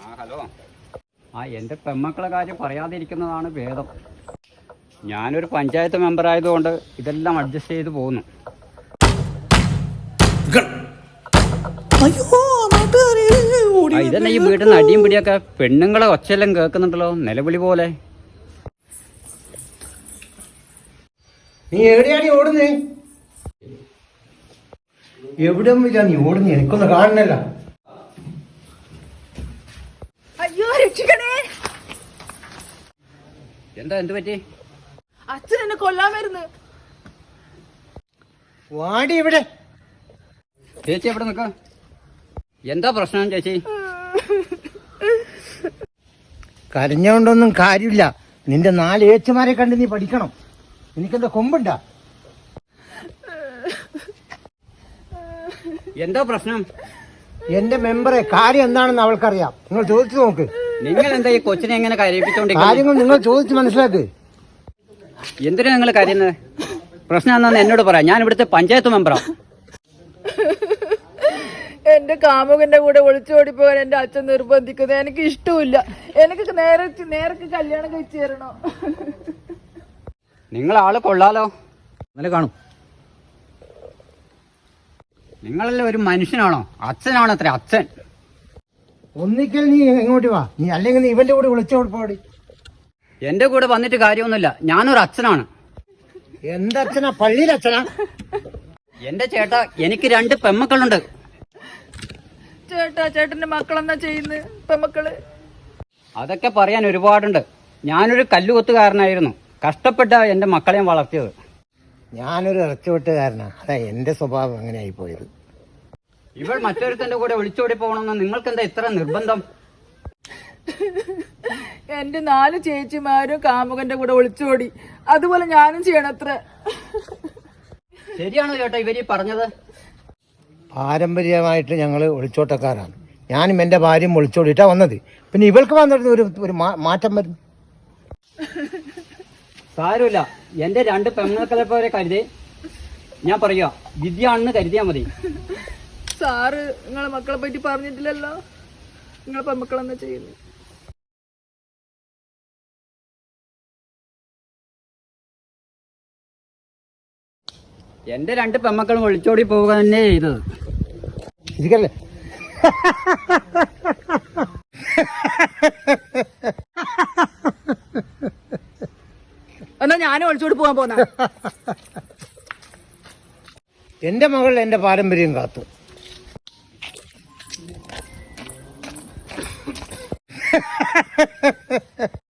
Hello. എൻ്റെ പെമ്മക്കളെ കാര്യം പറയാതിരിക്കുന്നതാണ് ഭേദം. ഞാനൊരു പഞ്ചായത്ത് മെമ്പർ ആയതുകൊണ്ട് ഇതെല്ലാം അഡ്ജസ്റ്റ് ചെയ്ത് പോകുന്നു. ഇതന്നെ ഈ വീട്ടിൽ നിന്ന് അടിയും പിടിയൊക്കെ പെണ്ണുങ്ങളെ ഒച്ചയെല്ലാം കേൾക്കുന്നുണ്ടല്ലോ, നിലവിളി പോലെ. നീ എവിടെയാണ് ഓടുന്നേ? എവിടെ നീ ഓടുന്നേ? എനിക്കൊന്ന് കാണണല്ല. അയ്യോ രക്ഷിക്കണേ. എന്ത് പറ്റി? അച്ഛൻ എന്നെ കൊല്ലാൻ വരുന്നു. വാടി ഇവിടെ. ചേച്ചി എവിടെ നിൽക്ക? എന്താ പ്രശ്നം ചേച്ചി? കരഞ്ഞോണ്ടൊന്നും കാര്യമില്ല. നിന്റെ 4 ഏച്ചുമാരെ കണ്ട് നീ പഠിക്കണം. എനിക്കെന്താ കൊമ്പുണ്ടാ? എന്താ പ്രശ്നം? എന്റെ മെമ്പറെ കാര്യം എന്താണെന്ന് അവൾക്കറിയാം. നിങ്ങൾ ചോദിച്ചു നോക്ക്. നിങ്ങൾ എന്താ ഈ കൊച്ചിനെ എങ്ങനെ കരയിപ്പിച്ചോണ്ടിരിക്കുന്നത്? കാര്യങ്ങൾ നിങ്ങൾ ചോദിച്ച് മനസ്സിലാക്ക്. എന്തിനാ നിങ്ങൾ കരയുന്നത്? പ്രശ്നം എന്താന്ന് എന്നോട് പറയാം. ഞാൻ ഇവിടുത്തെ പഞ്ചായത്ത് മെമ്പറാ. എന്റെ കാമുകന്റെ കൂടെ ഒളിച്ചോടി പോകാൻ എന്റെ അച്ഛൻ നിർബന്ധിക്കുന്നത് എനിക്ക് ഇഷ്ടമില്ല. എനിക്ക് നേരത്തെ കല്യാണം കഴിച്ചു തരണോ? നിങ്ങൾ ആള് കൊള്ളാലോ. നല്ല കാണും. നിങ്ങളല്ലേ ഒരു മനുഷ്യനാണോ? അച്ഛനാണോ അത്ര അച്ഛൻ? ഒന്നിക്കൽ നീ എങ്ങോട്ട് വാ. നീ അല്ലെങ്കിൽ നീ ഇവന്റെ കൂടെ വിളിച്ചോടി പോടി. എന്റെ കൂടെ വന്നിട്ട് കാര്യമൊന്നുമില്ല. ഞാനൊരു അച്ഛനാണ്. എന്തച്ഛനാ? പള്ളിയിലച്ഛനാ? എന്റെ ചേട്ടാ, എനിക്ക് 2 പെമ്മക്കളുണ്ട്. ചേട്ടന്റെ മക്കളെന്നാ ചെയ്യുന്നത്? പെമ്മക്കള് അതൊക്കെ പറയാൻ ഒരുപാടുണ്ട്. ഞാനൊരു കല്ലുകൊത്തുകാരനായിരുന്നു. കഷ്ടപ്പെട്ട എന്റെ മക്കളെയും വളർത്തിയത്. ഞാനൊരു ഇറച്ചുവെട്ടുകാരനാ. അതാ എന്റെ സ്വഭാവം അങ്ങനെ ആയി പോയത്. ഇവൾ മറ്റൊരുത്തന്റെ കൂടെ ഒളിച്ചോടി പോകണമെന്ന് നിങ്ങൾക്ക് എന്താ ഇത്ര നിർബന്ധം? എന്റെ 4 ചേച്ചിമാരും കാമുകന്റെ കൂടെ ഒളിച്ചോടി. അതുപോലെ ഞാനും ചെയ്യണത്ര. ശരിയാണോ ചേട്ടാ ഇവര് പറഞ്ഞത്? പാരമ്പര്യമായിട്ട് ഞങ്ങൾ ഒളിച്ചോട്ടക്കാരാണ്. ഞാനും എൻ്റെ ഭാര്യയും ഒളിച്ചോടിയിട്ടാ വന്നത്. പിന്നെ ഇവൾക്ക് വന്നിട്ട് ഒരു മാറ്റം വരുന്നു. സാരമില്ല. എന്റെ 2 പെമ്മക്കളെ പോലെ കരുതി ഞാൻ പറയുക, വിദ്യയാണെന്ന് കരുതിയാ മതി. സാറ് നിങ്ങളെ മക്കളെ പറ്റി പറഞ്ഞിട്ടില്ലല്ലോ. നിങ്ങളെ പെമ്മക്കളെന്നാ ചെയ്യുന്നത്? എന്റെ 2 പെമ്മക്കളും ഒളിച്ചോടി പോവുക തന്നെ ചെയ്തത്. ഇരിക്കല്ലേ? എന്നാ ഞാനും ഒളിച്ചോടി പോകാൻ പോന്ന. എന്റെ മകൾ എന്റെ പാരമ്പര്യം കാത്തു.